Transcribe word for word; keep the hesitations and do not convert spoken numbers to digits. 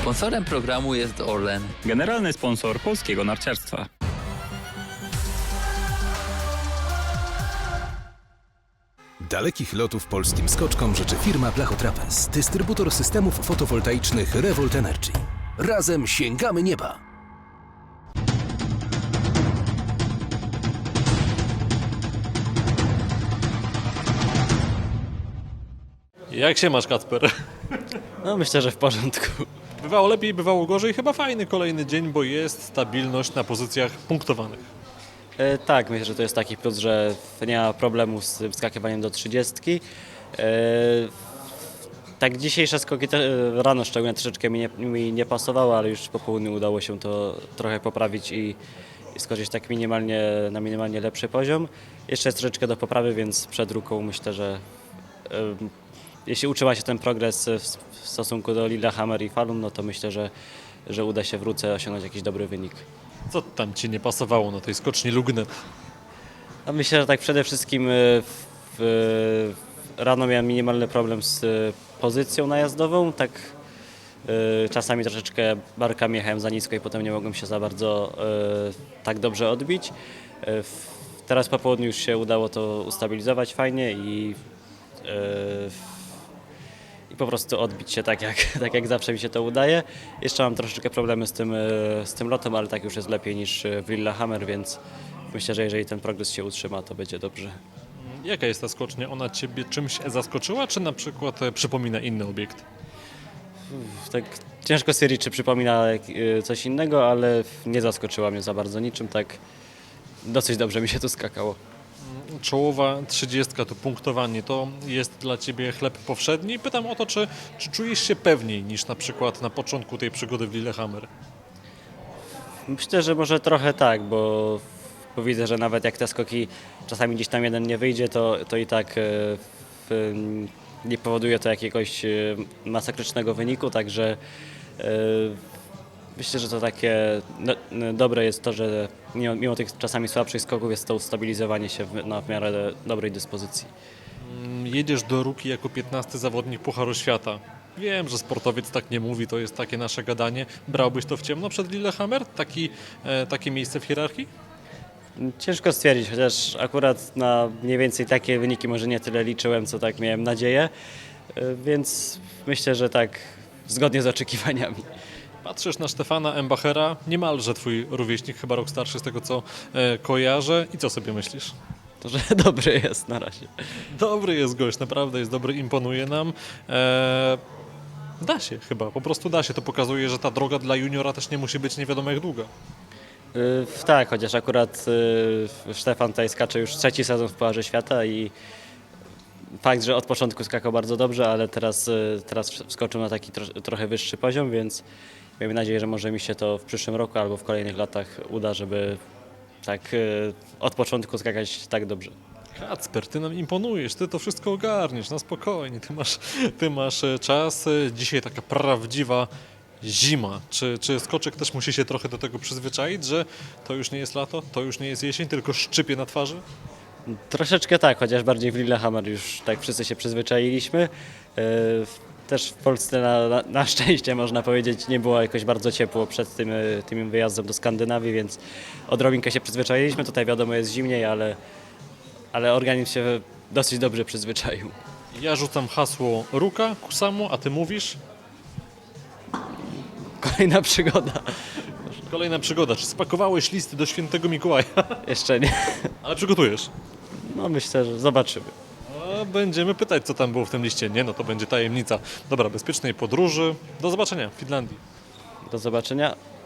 Sponsorem programu jest Orlen. Generalny sponsor polskiego narciarstwa. Dalekich lotów polskim skoczkom życzy firma Blachotrapez, dystrybutor systemów fotowoltaicznych Revolt Energy. Razem sięgamy nieba! Jak się masz, Kacper? No myślę, że w porządku. Bywało lepiej, bywało gorzej. Chyba fajny kolejny dzień, bo jest stabilność na pozycjach punktowanych. E, tak, myślę, że to jest taki plus, że nie ma problemu z wskakiwaniem do trzydziestki. E, tak dzisiejsze skoki te, rano szczególnie troszeczkę mi nie, mi nie pasowało, ale już po południu udało się to trochę poprawić i, i skoczyć tak minimalnie, na minimalnie lepszy poziom. Jeszcze jest troszeczkę do poprawy, więc przed ruką myślę, że e, jeśli utrzyma się ten progres w, w stosunku do Lillehammer i Falun, no to myślę, że, że uda się w ruce osiągnąć jakiś dobry wynik. Co tam Ci nie pasowało na tej skoczni Lugnet? A myślę, że tak przede wszystkim w, w, rano miałem minimalny problem z pozycją najazdową, tak y, czasami troszeczkę barkami jechałem za nisko i potem nie mogłem się za bardzo y, tak dobrze odbić. Y, w, teraz po południu już się udało to ustabilizować fajnie i, y, i po prostu odbić się tak jak, tak jak zawsze mi się to udaje. Jeszcze mam troszeczkę problemy z tym, y, z tym lotem, ale tak już jest lepiej niż w Lillehammer, więc myślę, że jeżeli ten progres się utrzyma, to będzie dobrze. Jaka jest ta skocznia? Ona Ciebie czymś zaskoczyła, czy na przykład e, przypomina inny obiekt? Tak ciężko stwierdzić, czy przypomina y, coś innego, ale nie zaskoczyła mnie za bardzo niczym, tak dosyć dobrze mi się tu skakało. Czołowa trzydziestka, to punktowanie, to jest dla Ciebie chleb powszedni. Pytam o to, czy, czy czujesz się pewniej niż na przykład na początku tej przygody w Lillehammer? Myślę, że może trochę tak, bo, bo widzę, że nawet jak te skoki czasami gdzieś tam jeden nie wyjdzie, to, to i tak y, w, nie powoduje to jakiegoś y, masakrycznego wyniku, także y, myślę, że to takie no, no, dobre jest to, że mimo, mimo tych czasami słabszych skoków jest to ustabilizowanie się w, na w miarę dobrej dyspozycji. Jedziesz do Ruki jako piętnasty zawodnik Pucharu Świata. Wiem, że sportowiec tak nie mówi, to jest takie nasze gadanie. Brałbyś to w ciemno przed Lillehammer? Taki, e, takie miejsce w hierarchii? Ciężko stwierdzić, chociaż akurat na mniej więcej takie wyniki może nie tyle liczyłem, co tak miałem nadzieję, y, więc myślę, że tak zgodnie z oczekiwaniami. Patrzysz na Stefana Embachera, niemalże twój rówieśnik, chyba rok starszy z tego co e, kojarzę. I co sobie myślisz? To, że dobry jest na razie. Dobry jest gość, naprawdę jest dobry, imponuje nam. E, da się chyba, po prostu da się. To pokazuje, że ta droga dla juniora też nie musi być nie wiadomo jak długa. Y, tak, chociaż akurat y, Stefan tutaj skacze już trzeci sezon w Pucharze Świata i fakt, że od początku skakał bardzo dobrze, ale teraz, y, teraz wskoczył na taki tro, trochę wyższy poziom, więc miejmy nadzieję, że może mi się to w przyszłym roku albo w kolejnych latach uda, żeby tak y, od początku skakać tak dobrze. Kacper, ty nam imponujesz, ty to wszystko ogarniesz, na spokojnie, ty masz, ty masz e, czas. E, Dzisiaj taka prawdziwa zima. Czy, czy skoczek też musi się trochę do tego przyzwyczaić, że to już nie jest lato, to już nie jest jesień, tylko szczypie na twarzy? Troszeczkę tak, chociaż bardziej w Lillehammer już tak wszyscy się przyzwyczailiśmy. Yy, Też w Polsce na, na, na szczęście można powiedzieć nie było jakoś bardzo ciepło przed tym, yy, tym wyjazdem do Skandynawii, więc odrobinkę się przyzwyczailiśmy. Tutaj wiadomo jest zimniej, ale, ale organizm się dosyć dobrze przyzwyczaił. Ja rzucam hasło Ruka, Kusamo, a ty mówisz? Kolejna przygoda. Kolejna przygoda. Czy spakowałeś listy do świętego Mikołaja? Jeszcze nie. Ale przygotujesz. No myślę, że zobaczymy. A będziemy pytać, co tam było w tym liście. Nie, no to będzie tajemnica. Dobra, bezpiecznej podróży. Do zobaczenia w Finlandii. Do zobaczenia.